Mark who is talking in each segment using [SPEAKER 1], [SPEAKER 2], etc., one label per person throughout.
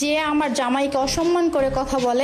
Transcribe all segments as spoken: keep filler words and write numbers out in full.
[SPEAKER 1] যে আমার জামাইকে অসম্মান করে কথা বলে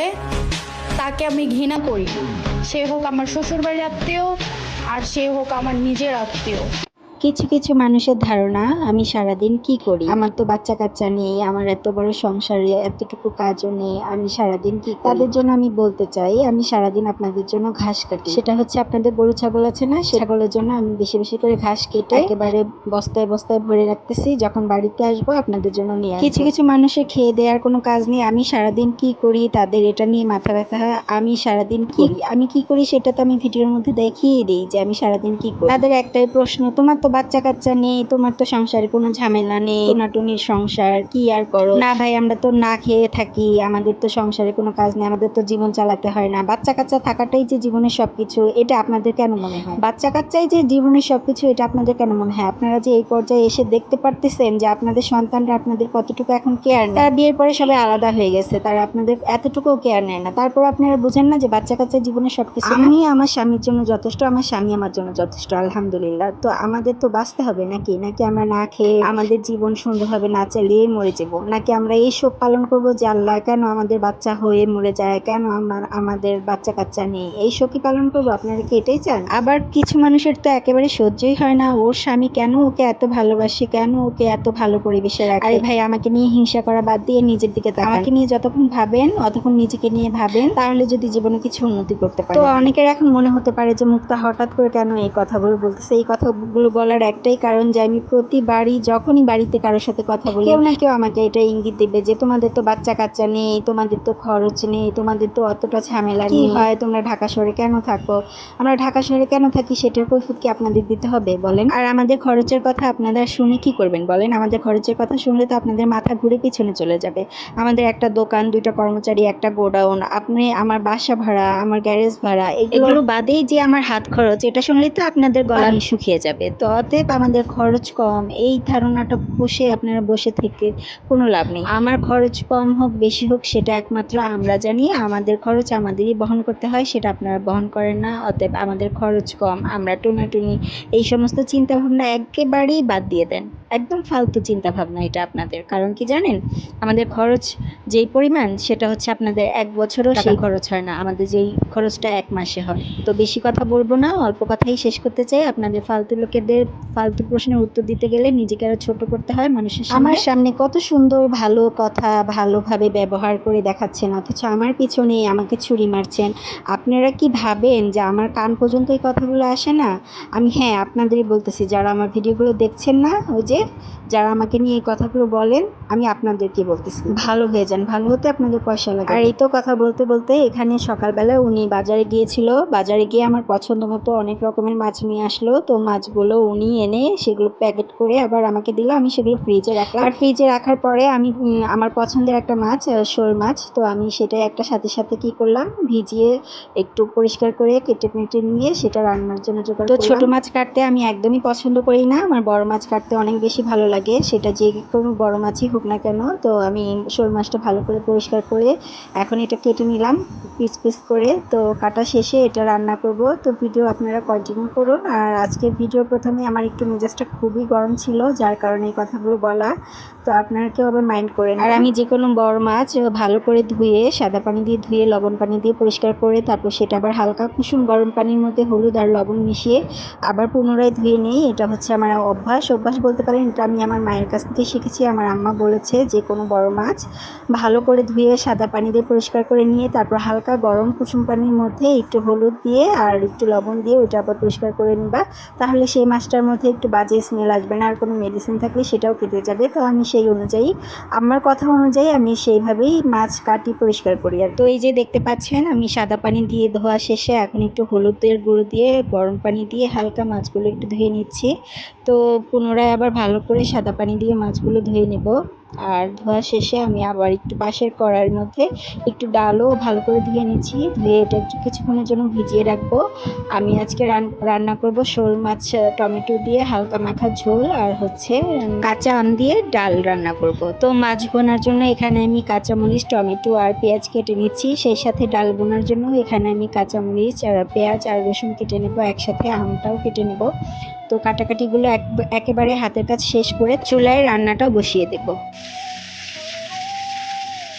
[SPEAKER 1] তাকে আমি ঘৃণা করি। সে হোক আমার শ্বশুরবাড়ির আত্মীয় আর সে হোক আমার নিজের আত্মীয়।
[SPEAKER 2] কিছু কিছু মানুষের ধারণা আমি সারাদিন কি করি, আমার তো বাচ্চা কাচ্চা নেই, আমার এত বড় সংসারে এতটুকু কাজও নেই, আমি সারাদিন কি করি? তাদের জন্য আমি বলতে চাই আমি সারাদিন আপনাদের জন্য ঘাস কাটি। সেটা হচ্ছে আপনাদের গরু ছাগল আছে না, সে ছাগলের জন্য আমি বেশি বেশি করে ঘাস কেটে একেবারে বস্তায় বস্তায় ভরে রাখতেছি, যখন বাড়িতে আসবো আপনাদের জন্য নিয়ে আসবো। কিছু কিছু মানুষের খেয়ে দেওয়ার কোনো কাজ নেই, আমি সারাদিন কি করি তাদের এটা নিয়ে মাথা ব্যথা হয়। আমি সারাদিন কি করি, আমি কি করি সেটা তো আমি ভিডিওর মধ্যে দেখিয়ে দিই যে আমি সারাদিন কি করি। তাদের একটাই প্রশ্ন, তোমার তো বাচ্চা কাচ্চা নেই, তোমার তো সংসারে কোনো ঝামেলা নেই, টোনাটুনির সংসার কি আর করো? না ভাই, আমরা তো না খেয়ে থাকি, আমাদের তো সংসারে কোনো কাজ নেই, আমাদের তো জীবন চালাতে হয় না। বাচ্চা কাচ্চা থাকাটাই যে জীবনের সবকিছু, এটা আপনাদের কেন মনে হয়? বাচ্চা কাচ্চাই যে জীবনের সবকিছু, এটা আপনাদের কেন মনে হয়? আপনারা যে এই পর্যায়ে এসে দেখতে পারতেছেন যে আপনাদের সন্তানরা আপনাদের কতটুকু এখন কেয়ার নেয়। তারা বিয়ের পরে সবাই আলাদা হয়ে গেছে, তারা আপনাদের এতটুকু কেয়ার নেয় না। তারপর আপনারা বুঝেন না যে বাচ্চা কাচ্চা জীবনের সবকিছু? আমি আমার স্বামীর জন্য যথেষ্ট, আমার স্বামী আমার জন্য যথেষ্ট, আলহামদুলিল্লাহ। তো আমাদের তো বাঁচতে হবে নাকি? নাকি আমরা না খেয়ে আমাদের জীবন সুন্দরভাবে না চালিয়ে মরে যাব? নাকি আমরা এই শোক পালন করবো যে আল্লাহ কেন আমাদের বাচ্চা হয়ে মরে যায়, কেন আমার আমাদের বাচ্চা কাচ্চা নেই, এই শোকই পালন করবো? আপনারা কি এটাই চান? আবার কিছু মানুষের তো একেবারে সহ্যই হয় না, ওর স্বামী কেন ওকে এত ভালোবাসে, কেন ওকে এত ভালো পরিবেশে রাখে। আরে ভাই, আমাকে নিয়ে হিংসা করা বাদ দিয়ে নিজের দিকে তাকান। আমাকে নিয়ে যতক্ষণ ভাবেন অতক্ষণ নিজেকে নিয়ে ভাবেন, তাহলে যদি জীবনে কিছু উন্নতি করতে পারেন। তো অনেকের এখন মনে হতে পারে যে মুক্তা হঠাৎ করে কেন এই কথাগুলো বলতেছে। এই কথাগুলো বলার একটাই কারণ যে আমি প্রতিবারই যখনই বাড়িতে কারোর সাথে কথা বলি, কেউ না কেউ আমাকে এটা ইঙ্গিত দেবে যে তোমাদের তো বাচ্চা কাচ্চা নেই, তোমাদের তো খরচ নেই, তোমাদের তো অতটা ঝামেলা নেই, কি হয় তোমরা ঢাকা শহরে কেন থাকো? আমরা ঢাকা শহরে কেন থাকি সেটার কৈফিয়ত কি আপনাদের দিতে হবে বলেন? আর আমাদের খরচের কথা আপনারা শুনে কি করবেন বলেন? আমাদের খরচের কথা শুনলে তো আপনাদের মাথা ঘুরে পিছনে চলে যাবে। আমাদের একটা দোকান, দুইটা কর্মচারী, একটা গোডাউন, আপনি আমার বাসা ভাড়া, আমার গ্যারেজ ভাড়া, এগুলো বাদেই যে আমার হাত খরচ, এটা শুনলেই তো আপনাদের গলা শুকিয়ে যাবে। তো অতএব আমাদের খরচ কম, এই ধারণাটা বসে আপনারা বসে থেকে কোনো লাভ নেই। আমার খরচ কম হোক বেশি হোক সেটা একমাত্র আমরা জানি, আমাদের খরচ আমাদেরই বহন করতে হয়, সেটা আপনারা বহন করেন না। অতএব আমাদের খরচ কম, আমরা টোনাটুনি, এই সমস্ত চিন্তা ভাবনা একেবারেই বাদ দিয়ে দেন। একদম ফালতু চিন্তা ভাবনা এটা আপনাদের। কারণ কি জানেন, আমাদের খরচ যেই পরিমাণ সেটা হচ্ছে আপনাদের এক বছরও সেই খরচ হয় না, আমাদের যেই খরচটা এক মাসে হয়। তো বেশি কথা বলবো না, অল্প কথাই শেষ করতে চাই। আপনাদের ফালতু লোকেদের ফালতু প্রশ্নের উত্তর দিতে গেলে নিজেকে আরো ছোট করতে হয় মানুষের সামনে। আমার সামনে কত সুন্দর ভালো কথা ভালোভাবে ব্যবহার করে দেখাচ্ছেন, অথচ আমার পিছনেই আমাকে ছুরি মারছেন। আপনারা কি ভাবেন যে আমার কান পর্যন্ত এই কথাগুলো আসে না? আমি হ্যাঁ আপনাদেরই বলতেছি, যারা আমার ভিডিওগুলো দেখছেন না, ওই যে যারা আমাকে নিয়ে এই কথাগুলো বলেন, আমি আপনাদেরকে বলতেছি ভালো হয়ে যান, ভালো হতে আপনাদের পয়সা লাগে। আর এই তো কথা বলতে বলতে এখানে সকালবেলা উনি বাজারে গিয়েছিল, বাজারে গিয়ে আমার পছন্দ মতো অনেক রকমের মাছ নিয়ে আসলো। তো মাছগুলো উনি এনে সেগুলো প্যাকেট করে আবার আমাকে দিল, আমি সেগুলো ফ্রিজে রাখলাম। আর ফ্রিজে রাখার পরে আমি আমার পছন্দের একটা মাছ, শোল মাছ, তো আমি সেটা একটা সাথে সাথে কি করলাম, ভিজিয়ে একটু পরিষ্কার করে কেটে কেটে নিয়ে সেটা রান্নার জন্য জোগাড় করলাম। তো ছোট মাছ কাটতে আমি একদমই পছন্দ করি না, আমার বড় মাছ কাটতে অনেক বেশি ভালো লাগে, সেটা যে কোনো বড় মাছই হোক না কেন। তো আমি শোল মাছটা ভালো করে পরিষ্কার করে এখন এটা কেটে নিলাম পিস পিস করে। তো কাটা শেষে এটা রান্না করব। তো ভিডিও আপনারা কন্টিনিউ করুন। আর আজকের ভিডিও প্রথমে আমার একটু মেজাজটা খুবই গরম ছিল, যার কারণে এই কথাগুলো বলা, তো আপনারা কেউ আবার মাইন্ড করেন। আর আমি যে কোনো বড় মাছ ভালো করে ধুয়ে সাদা পানি দিয়ে ধুয়ে লবণ পানি দিয়ে পরিষ্কার করে তারপর সেটা আবার হালকা কুসুম গরম পানির মধ্যে হলুদ আর লবণ মিশিয়ে আবার পুনরায় ধুয়ে নিই। এটা হচ্ছে আমার অভ্যাস, অভ্যাস বলতে পারেন, এটা আমি আমার মায়ের কাছ থেকে শিখেছি। আমার আম্মা বলেছে যে কোনো বড় মাছ ভালো করে ধুয়ে সাদা পানি দিয়ে পরিষ্কার করে নিয়ে তারপর হালকা গরম কুসুম পানির মধ্যে একটু হলুদ দিয়ে আর একটু লবণ দিয়ে ওইটা আবার পরিষ্কার করে নিবা, তাহলে সেই মাছটার মধ্যে একটু বাজে স্মেল আসবে না, আর কোনো মেডিসিন থাকলে সেটাও কেটে যাবে। তো আমি সেই অনুযায়ী, আমার কথা অনুযায়ী আমি সেইভাবেই মাছ কাটি, পরিষ্কার করি। আর তো এই যে দেখতে পাচ্ছেন আমি সাদা পানি দিয়ে ধোয়া শেষে এখন একটু হলুদের গুঁড়ো দিয়ে গরম পানি দিয়ে হালকা মাছগুলো একটু ধুয়ে নিচ্ছি। তো পুনরায় আবার ভালো করে সাদা পানি দিয়ে মাছগুলো ধুয়ে নেব। আর ধোয়া শেষে আমি আবার একটু পাশের কড়াইয়ের মধ্যে একটু ডালও ভালো করে ধুয়ে নিচ্ছি, ধুয়ে এটা একটু কিছুক্ষণের জন্য ভিজিয়ে রাখবো। আমি আজকে রান্না করব শোল মাছ টমেটো দিয়ে হালকা মাখা ঝোল, আর হচ্ছে কাঁচা আম দিয়ে ডাল রান্না করব। তো মাছ বোনার জন্য এখানে আমি কাঁচামরিচ, টমেটো আর পেঁয়াজ কেটে নিচ্ছি, সেই সাথে ডাল বোনার জন্য এখানে আমি কাঁচামরিচ আর পেঁয়াজ আর রসুন কেটে নেব, একসাথে আমটাও কেটে নেব। তো কাটাকাটিগুলো একেবারে হাতের কাজ শেষ করে চুলায় রান্নাটাও বসিয়ে দেব।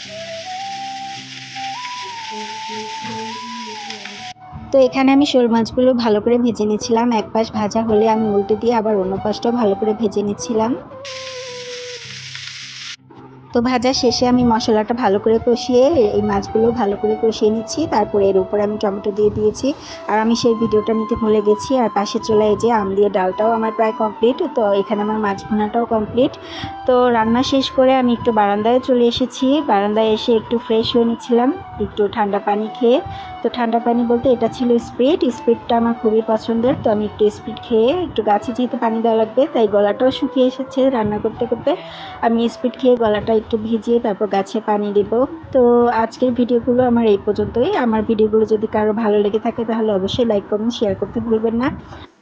[SPEAKER 2] তো এখানে আমি শোল মাছগুলো ভালো করে ভেজে নিচ্ছিলাম। এক পাশ ভাজা হলে আমি উল্টে দিয়ে আবার অন্য পাশটাও ভালো করে ভেজে নিচ্ছিলাম। তো ভাজা শেষে আমি মশলাটা ভালো করে কষিয়ে এই মাছগুলো ভালো করে কষিয়ে নিচ্ছি। তারপরে এর উপরে আমি টমেটো দিয়ে দিয়েছি। আর আমি সেই ভিডিওটা নিতে ভুলে গেছি। আর পাশে চলে এই যে আম দিয়ে ডালটাও আমার প্রায় কমপ্লিট। তো এখানে আমার মাছ ভুনাটাও কমপ্লিট। তো রান্না শেষ করে আমি একটু বারান্দায় চলে এসেছি। বারান্দায় এসে একটু ফ্রেশ হয়ে নিচ্ছিলাম, একটু ঠান্ডা পানি খেয়ে। তো ঠান্ডা পানি বলতে এটা ছিল স্প্রিট। স্প্রিটটা আমার খুবই পছন্দের। তো আমি একটু স্প্রিট খেয়ে, একটু গাছে যেহেতু পানি দেওয়া লাগবে তাই গলাটাও শুকিয়ে এসেছে রান্না করতে করতে, আমি স্পিড খেয়ে গলাটা একটু ভিজিয়ে তারপর গাছে পানি দেব। তো আজকের ভিডিওগুলো আমার এই পর্যন্তই। আমার ভিডিওগুলো যদি কারো ভালো লেগে থাকে তাহলে অবশ্যই লাইক কমেন্ট শেয়ার করতে ভুলবেন না।